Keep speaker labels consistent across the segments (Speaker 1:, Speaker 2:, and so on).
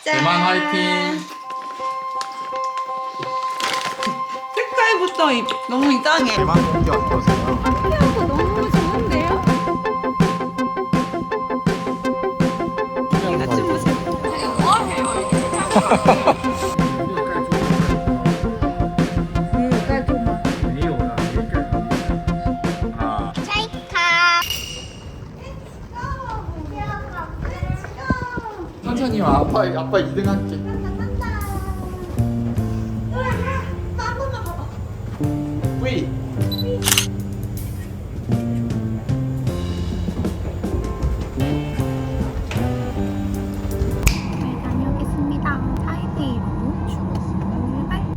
Speaker 1: 대만 화이팅!
Speaker 2: 색깔부터 너무 이상해.
Speaker 1: 대만 공기 어떠세요?
Speaker 2: 향기하고 너무 좋은데요? 이거 좀 보세요.
Speaker 1: 천천히 와. 아빠 2등 할게. 뿌이.
Speaker 2: 다녀오겠습니다. 타이베이로 출발.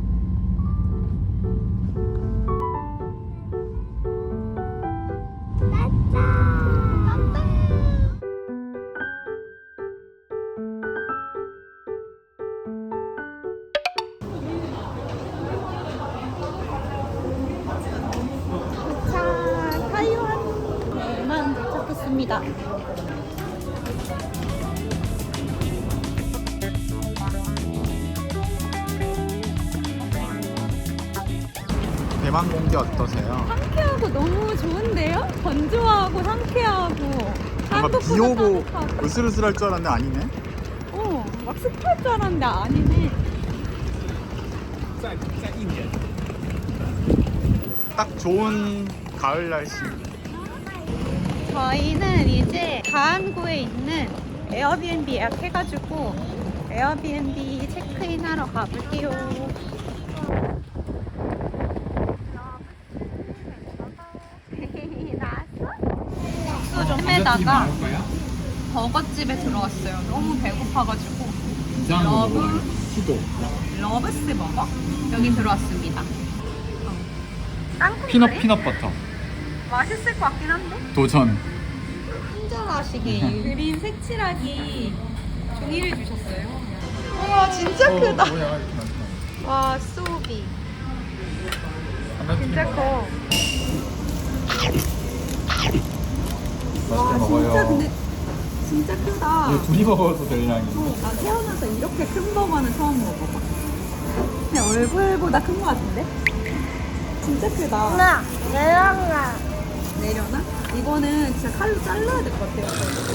Speaker 2: 자, 타이완 대만 도착했습니다.
Speaker 1: 대만 공기 어떠세요?
Speaker 2: 상쾌하고 너무 좋은데요? 건조하고 상쾌하고
Speaker 1: 뭔가 비 오고
Speaker 2: 따뜻하고.
Speaker 1: 으슬으슬할 줄 알았는데 아니네.
Speaker 2: 막 습할 줄 알았는데 아니네.
Speaker 1: 딱 좋은 가을 날씨.
Speaker 2: 저희는 이제 가안구에 있는 에어비앤비 예약해가지고 에어비앤비 체크인 하러 가볼게요. 숙소 좀 해다가 버거집에 들어왔어요. 너무 배고파가지고 러브스 버거 여기 들어왔습니다. 땅콩 그래?
Speaker 1: 피넛 버터.
Speaker 2: 맛있을 것 같긴 한데?
Speaker 1: 도전.
Speaker 2: 친절하시게 그린 색칠하기 종이를 주셨어요. 우와 진짜 크다.
Speaker 1: 뭐야 이렇게 많다.
Speaker 2: 와 소비
Speaker 1: 하나
Speaker 2: 진짜 커.
Speaker 1: 맛있게 먹어요.
Speaker 2: 진짜 근데 진짜 크다.
Speaker 1: 이거 둘이 먹어도 될 양이.
Speaker 2: 나 태어나서 이렇게 큰 버거는 처음 먹어봐. 그냥 얼굴보다 큰 거 같은데? 진짜 크다.
Speaker 3: 엄마, 내려가.
Speaker 2: 내려나? 이거는 진짜 칼로 잘라야 될 것 같아요.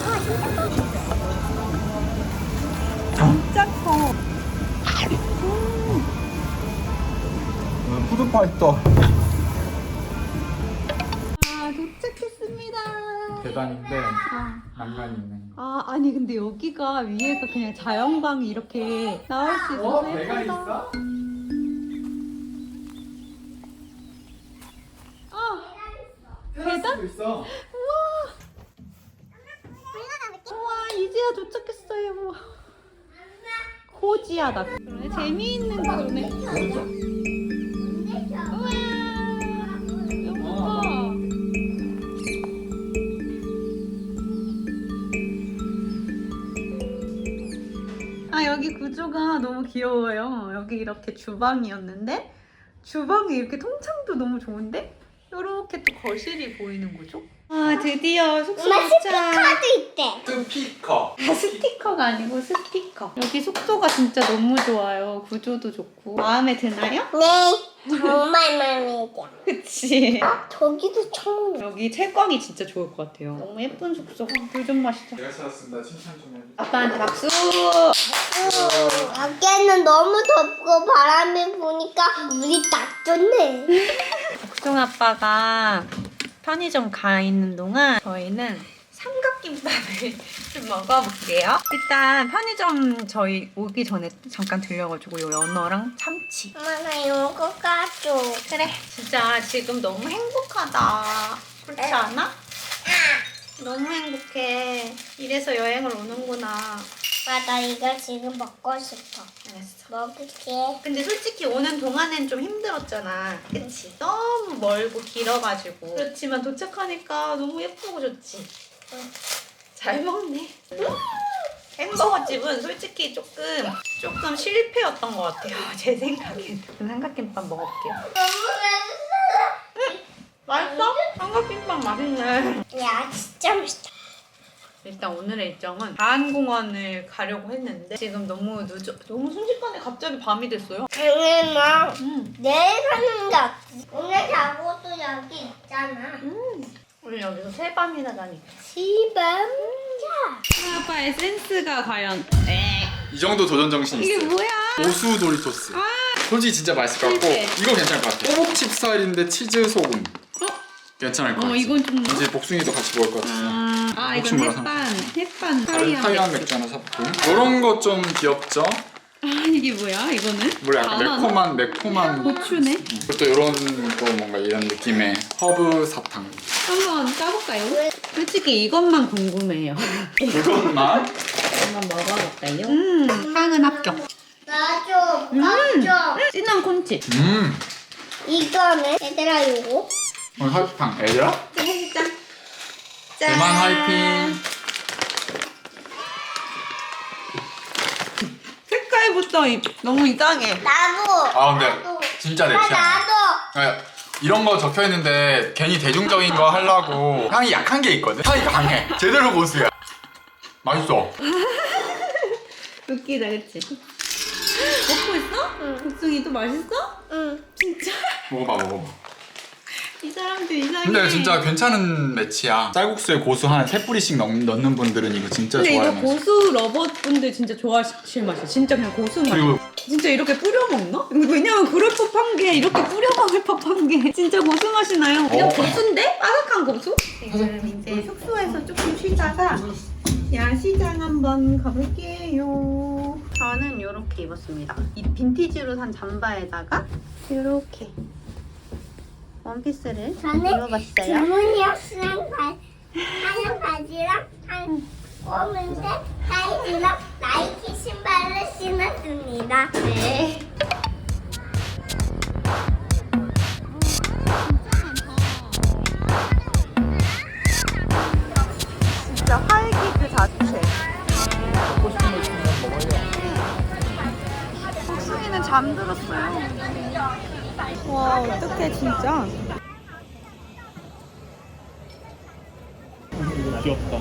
Speaker 2: 진짜 커.
Speaker 1: 푸드파이터.
Speaker 2: 아 도착했습니다.
Speaker 1: 계단인데 난간이 있네.
Speaker 2: 아니 근데 여기가 위에가 그냥 자연광이 이렇게 나올 수 있어서
Speaker 1: 배가
Speaker 2: 예쁘다.
Speaker 1: 있어?
Speaker 2: 계단?
Speaker 1: 있어.
Speaker 2: 우와 이제야 도착했어요. 고지하다. 그러네. 재미있는 그러네. 우와 여보. 여기 구조가 너무 귀여워요. 여기 이렇게 주방이었는데 주방이 이렇게 통창도 너무 좋은데 이렇게 또 거실이 보이는 거죠? 드디어 숙소
Speaker 3: 엄마
Speaker 2: 도착.
Speaker 3: 스피커도 있대.
Speaker 1: 스피커.
Speaker 2: 스티커가 아니고 스피커. 여기 숙소가 진짜 너무 좋아요. 구조도 좋고. 마음에 드나요?
Speaker 3: 네, 정말 마음에 들어.
Speaker 2: 그치?
Speaker 3: 저기도 창문.
Speaker 2: 여기 채광이 진짜 좋을 것 같아요. 너무 예쁜 숙소. 물 좀 마시자.
Speaker 1: 제가 찾았습니다. 칭찬 좀 해주세요.
Speaker 2: 아빠한테 박수.
Speaker 3: 밖에는 너무 덥고 바람이 부니까 물이 딱 좋네.
Speaker 2: 복숭 아빠가 편의점 가 있는 동안 저희는 삼각김밥을 좀 먹어볼게요. 일단 편의점 저희 오기 전에 잠깐 들려가지고 요 연어랑 참치.
Speaker 3: 엄마 나 이거 까줘.
Speaker 2: 그래. 진짜 지금 너무 행복하다. 그렇지 않아? 너무 행복해. 이래서 여행을 오는구나.
Speaker 3: 아빠 나 이거 지금 먹고 싶어.
Speaker 2: 알았어.
Speaker 3: 먹을게.
Speaker 2: 근데 솔직히 오는 동안엔 좀 힘들었잖아. 그치? 너무 멀고 길어가지고. 그렇지만 도착하니까 너무 예쁘고 좋지?
Speaker 3: 응.
Speaker 2: 잘 먹네. 햄버거 집은 솔직히 조금 실패였던 것 같아요. 제 생각엔. 삼각김밥 먹어볼게요. 맛있어? 삼각김밥 맛있네.
Speaker 3: 야 진짜 맛있다.
Speaker 2: 일단 오늘의 일정은 가안공원을 가려고 했는데 지금 너무 너무 순식간에 갑자기 밤이 됐어요.
Speaker 3: 당연히 내일 사는 게 없지. 오늘 자고 또 여기 있잖아.
Speaker 2: 우리 여기서 세 밤이나 자니까.
Speaker 3: 시밤
Speaker 2: 아빠의 센스가 과연
Speaker 1: 이 정도 도전 정신이
Speaker 2: 이게
Speaker 1: 있어요.
Speaker 2: 뭐야?
Speaker 1: 고수 도리토스. 솔직히 진짜 맛있을 것 같고
Speaker 2: 실패.
Speaker 1: 이거 괜찮을 것 같아. 꼬북칩 스타일인데 치즈 소금. 괜찮을 것 같아.
Speaker 2: 이건 좀
Speaker 1: 이제 복숭이도 같이 먹을 것 같아서.
Speaker 2: 이건
Speaker 1: 혹시 몰라서.
Speaker 2: 햇반
Speaker 1: 타이완 맥주 하나 사봤고 이런 거 좀 귀엽죠?
Speaker 2: 이게 뭐야 이거는?
Speaker 1: 원래 약간 매콤한
Speaker 2: 고추네.
Speaker 1: 또 이런 또 뭔가 이런 느낌의 허브 사탕.
Speaker 2: 한번 까볼까요? 솔직히 이것만 궁금해요.
Speaker 1: 그것만
Speaker 2: 한번 먹어볼까요? 향은 합격.
Speaker 3: 나줘 나줘.
Speaker 2: 진한 콘칩.
Speaker 3: 이거는 얘들아 요거.
Speaker 1: 오늘 사탕 애들아?
Speaker 2: 짠.
Speaker 1: 대만 화이팅.
Speaker 2: 색깔부터 너무 이상해.
Speaker 3: 나도.
Speaker 1: 아 근데
Speaker 3: 나도.
Speaker 1: 진짜 내 취향.
Speaker 3: 나도.
Speaker 1: 이런 거 적혀 있는데 괜히 대중적인 거 하려고 향이 약한 게 있거든. 향이 강해. 제대로 고수야. 맛있어.
Speaker 2: 웃기다 그치? 먹고 있어?
Speaker 3: 응.
Speaker 2: 복숭이 또 맛있어?
Speaker 3: 응.
Speaker 2: 진짜?
Speaker 1: 먹어봐.
Speaker 2: 이 사람들 이상해.
Speaker 1: 근데 진짜 괜찮은 매치야. 쌀국수에 고수 한 3뿌리씩 넣는 분들은 이거 진짜
Speaker 2: 근데 이거
Speaker 1: 좋아하는 맛이야.
Speaker 2: 고수 러버분들 진짜 좋아하실 맛이야. 진짜 그냥 고수 맛.
Speaker 1: 그리고
Speaker 2: 진짜 이렇게 뿌려 먹나? 왜냐면 그럴 법한 게 이렇게 뿌려 먹을 법한 게 진짜 고수 맛이 나요. 그냥 고수인데? 바삭한 고수? 지금 이제 숙소에서 조금 쉬다가 야시장 한번 가볼게요. 저는 이렇게 입었습니다. 이 빈티지로 산 잠바에다가 이렇게 원피스를 입어봤어요.
Speaker 3: 주문이었으면 하얀 바지랑 한 검은색 사이즈랑 나이키 신발을 신었습니다.
Speaker 2: 네. 진짜 활기 그 자체.
Speaker 1: 먹고 싶은 거 있으면 먹어요.
Speaker 2: 복숭이는 잠들었어요. 와 어떡해 진짜.
Speaker 1: 귀엽다.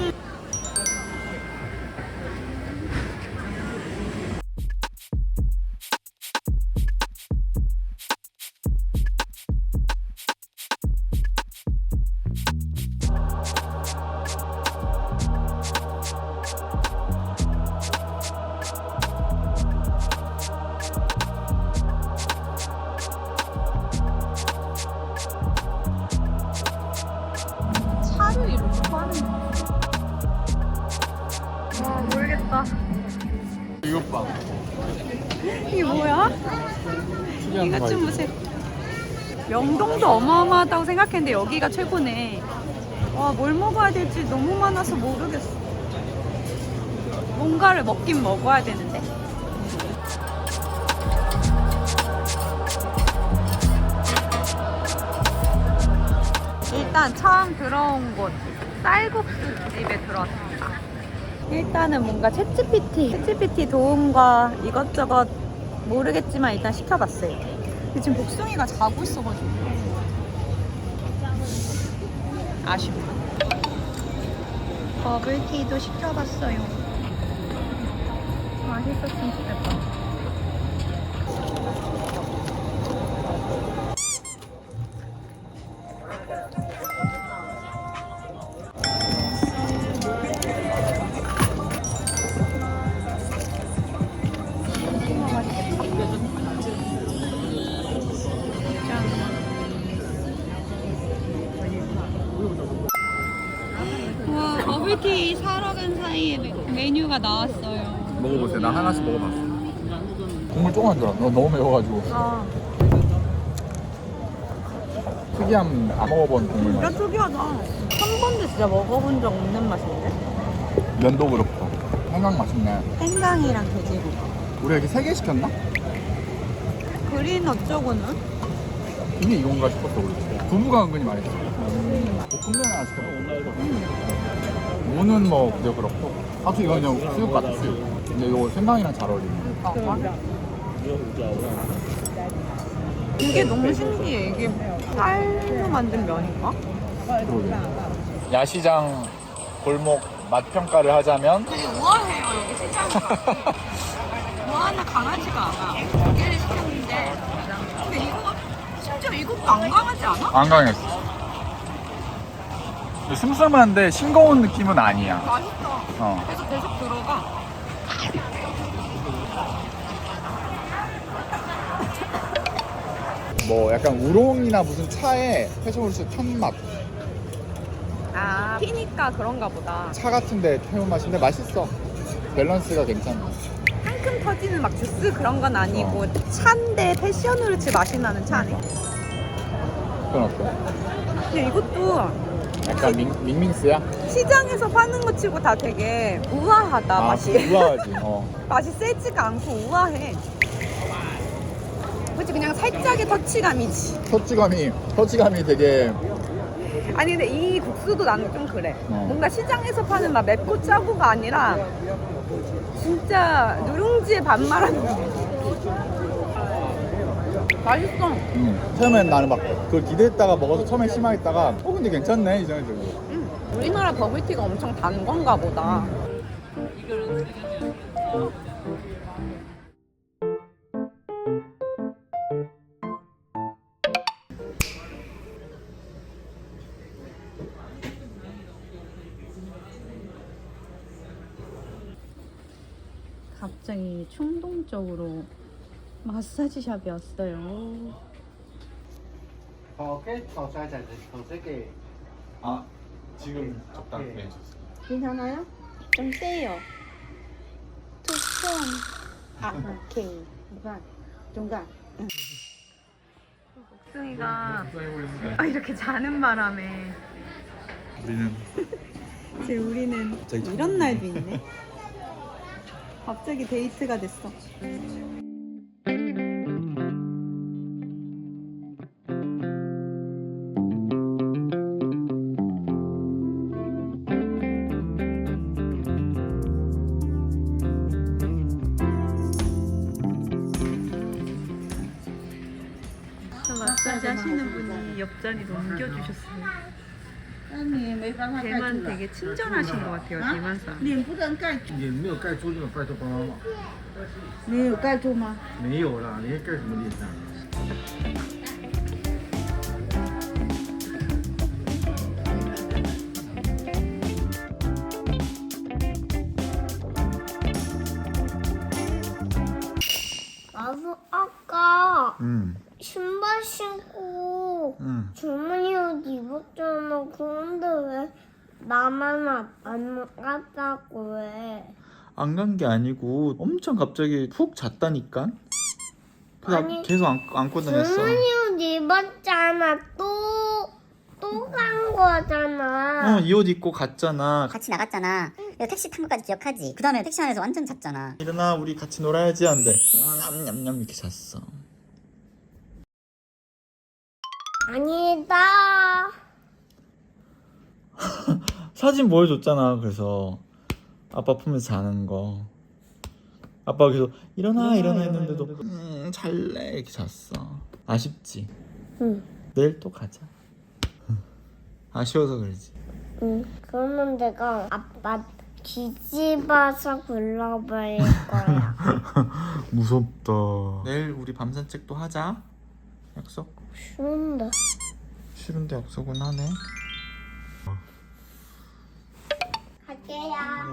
Speaker 2: 차를 이렇게 파는 거. 와 모르겠다.
Speaker 1: 이것 봐.
Speaker 2: 이게 뭐야? 이거 좀 보세요. 명동도 어마어마하다고 생각했는데 여기가 최고네. 와, 뭘 먹어야 될지 너무 많아서 모르겠어. 뭔가를 먹긴 먹어야 되는데. 일단 처음 들어온 곳 쌀국수 집에 들어왔습니다. 일단은 뭔가 챗GPT 도움과 이것저것 모르겠지만 일단 시켜봤어요. 근데 지금 복숭이가 자고 있어가지고 아쉽다. 버블티도 시켜봤어요. 맛있었으면 좋겠다. 와, 버블티 사러 간 사이에 메뉴가 나왔어요.
Speaker 1: 먹어보세요. 나 하나씩 먹어봤어. 국물 조금 안 들어. 너무 매워가지고.
Speaker 2: 아,
Speaker 1: 특이한 안 먹어본 국물
Speaker 2: 진짜
Speaker 1: 맛.
Speaker 2: 특이하다. 한 번도 진짜 먹어본 적 없는 맛인데?
Speaker 1: 면도 그렇고. 생강 맛있네.
Speaker 2: 생강이랑 돼지고기.
Speaker 1: 우리 여기 3개 시켰나?
Speaker 2: 그린 어쩌고는?
Speaker 1: 이게 이건가 싶었어 우리. 두부가 은근히 맛있어. 볶음면 하나 시켰어. 무는 뭐 그저 그렇고. 확실히 이건 그냥 수육 같아 수육. 근데 이거 생강이랑 잘 어울리네.
Speaker 2: 이게 너무 신기해. 이게 쌀로 만든 면인가?
Speaker 1: 그러게. 야시장 골목 맛 평가를 하자면
Speaker 2: 되게 우아해요 여기 시장. 우아하나 강하지가 않아. 여기를 시켰는데 근데 이거 심지어 이것도 안 강하지 않아?
Speaker 1: 안 강했어. 슴슴한데 싱거운 느낌은 아니야.
Speaker 2: 맛있어. 계속 들어가.
Speaker 1: 뭐 약간 우롱이나 무슨 차에 패션후르츠 탄 맛.
Speaker 2: 아 피니까 그런가 보다.
Speaker 1: 차 같은데 태운 맛인데 맛있어. 밸런스가 괜찮아.
Speaker 2: 상큼 터지는 막 주스 그런 건 아니고 차인데 패션후르츠 맛이 나는 차네.
Speaker 1: 그건 어때?
Speaker 2: 근데 이것도
Speaker 1: 약간 밍밍스야?
Speaker 2: 시장에서 파는 거 치고 다 되게 우아하다 맛이.
Speaker 1: 우아하지.
Speaker 2: 맛이 세지가 않고 우아해. 그치 그냥 살짝의 터치감이지.
Speaker 1: 터치감이 되게
Speaker 2: 아니 근데 이 국수도 나는 좀 그래.
Speaker 1: 어.
Speaker 2: 뭔가 시장에서 파는 막 맵고 짜고가 아니라 진짜 누룽지에 반 말하는 맛있어.
Speaker 1: 처음엔 나는 막 그걸 기대했다가 먹어서 처음엔 실망했다가 근데 괜찮네 이 생각이 들고.
Speaker 2: 우리나라 버블티가 엄청 단 건가 보다. 갑자기 충동적으로 마사지샵이 왔어요.
Speaker 1: 아 지금 적당히 해줬어.
Speaker 2: 괜찮아요? 좀 세요. 투폰. 아, 오케이. 중간. 중간. 복숭이가 이렇게 자는 바람에 우리는 이런 날도 있네. 갑자기 데이트가 됐어. 마사지 하시는 분이 옆자리 넘겨주셨어요. 대만 되게 친절하신 것 같아요, 대만 사람.
Speaker 4: 脸不能盖住，脸没有盖住，那个拜托帮帮忙。
Speaker 2: 你有盖住吗？
Speaker 4: 没有啦，你盖什么脸上？
Speaker 3: 나도 아까
Speaker 1: 응.
Speaker 3: 신발 신고
Speaker 1: 응.
Speaker 3: 주머니 옷 입었잖아. 그런데 왜 나만 안 갔다고 해?
Speaker 1: 안 간 게 아니고 엄청 갑자기 푹 잤다니까. 그래서
Speaker 3: 아니,
Speaker 1: 계속 안고 다녔어.
Speaker 3: 주머니 옷 입었잖아. 또 간 거잖아.
Speaker 1: 이 옷 입고 갔잖아.
Speaker 5: 같이 나갔잖아. 이거 택시 탄 것까지 기억하지? 그 다음에 택시 안에서 완전 잤잖아.
Speaker 1: 일어나 우리 같이 놀아야지 한대. 냠냠냠 이렇게 잤어.
Speaker 3: 아니다.
Speaker 1: 사진 보여줬잖아. 그래서 아빠 품에서 자는 거. 아빠가 계속 일어나 했는데도 잘래 이렇게 잤어. 아쉽지?
Speaker 3: 응.
Speaker 1: 내일 또 가자. 아쉬워서 그러지.
Speaker 3: 응. 그러면 내가 아빠 뒤집어서 굴러버릴 거야.
Speaker 1: 무섭다. 내일 우리 밤 산책도 하자. 약속?
Speaker 3: 싫은데.
Speaker 1: 싫은데 약속은 하네.
Speaker 3: 갈게요.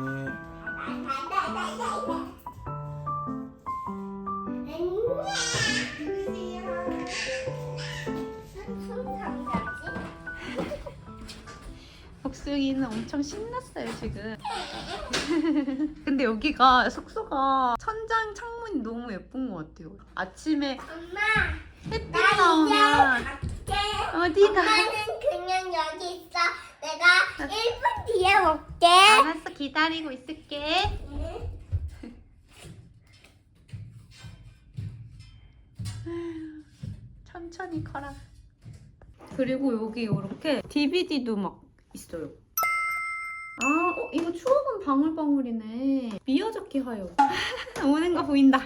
Speaker 2: 복숭이는 엄청 신났어요 지금. 근데 여기가 숙소가 천장 창문이 너무 예쁜 것 같아요. 아침에
Speaker 3: 엄마,
Speaker 2: 햇빛
Speaker 3: 나 이제
Speaker 2: 나오면
Speaker 3: 갈게.
Speaker 2: 어디가?
Speaker 3: 엄마는 그냥 여기 있어. 내가 1분 뒤에 올게.
Speaker 2: 알았어, 기다리고 있을게. 천천히 커라. 그리고 여기 이렇게 DVD도 막 있어요. 아, 이거 추억은 방울방울이네. 미어적기 하여. 오는 거 보인다.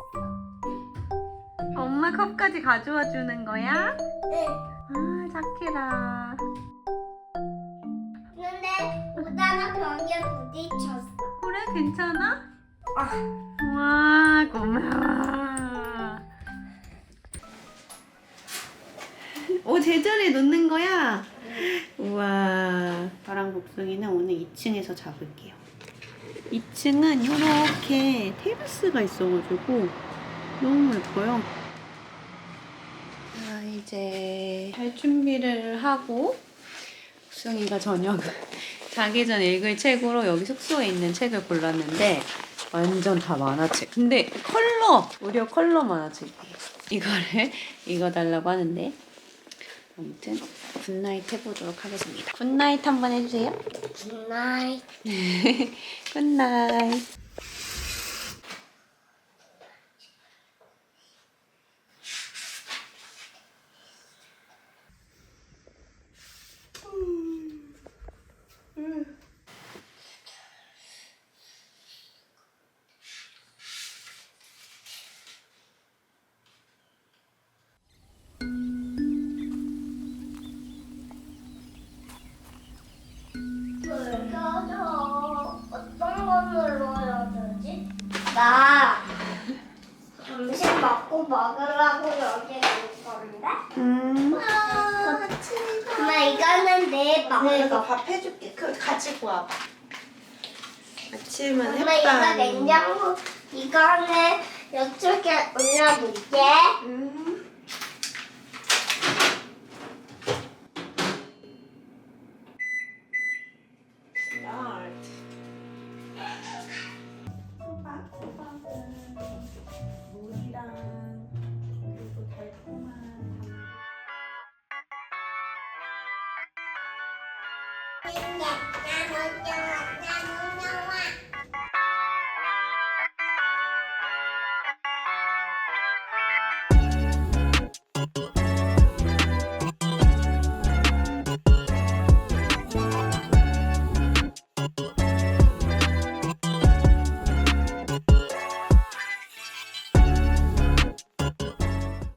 Speaker 2: 엄마 컵까지 가져와 주는 거야?
Speaker 3: 응.
Speaker 2: 아, 착해라.
Speaker 3: 근데 나는 벽에 부딪혔어.
Speaker 2: 그래 괜찮아?
Speaker 3: 아,
Speaker 2: 와 고마워. 오 제자리에 놓는 거야? 우와. 저랑 복숭이는 오늘 2층에서 잡을게요. 2층은 이렇게 테라스가 있어가지고 너무 예뻐요. 자 이제 할 준비를 하고 복숭이가 저녁 자기 전 읽을 책으로 여기 숙소에 있는 책을 골랐는데 완전 다 만화책. 근데 무려 컬러 만화책이에요. 이거를 읽어달라고 하는데 아무튼 굿나잇 해보도록 하겠습니다. 굿나잇 한번 해주세요.
Speaker 3: 굿나잇.
Speaker 2: 굿나잇.
Speaker 3: 불 켜줘. 어떤 거 눌러야 되지? 나 점심 먹으려고 여기 올 건데? 엄마 이거는 내 밥.
Speaker 2: 내가 밥 해줄게. 가지고 와봐. 아침은
Speaker 3: 엄마 이거 냉장고 이거는 이쪽에 올려놓을게.
Speaker 2: 호박은 물이랑 그리고 달콤한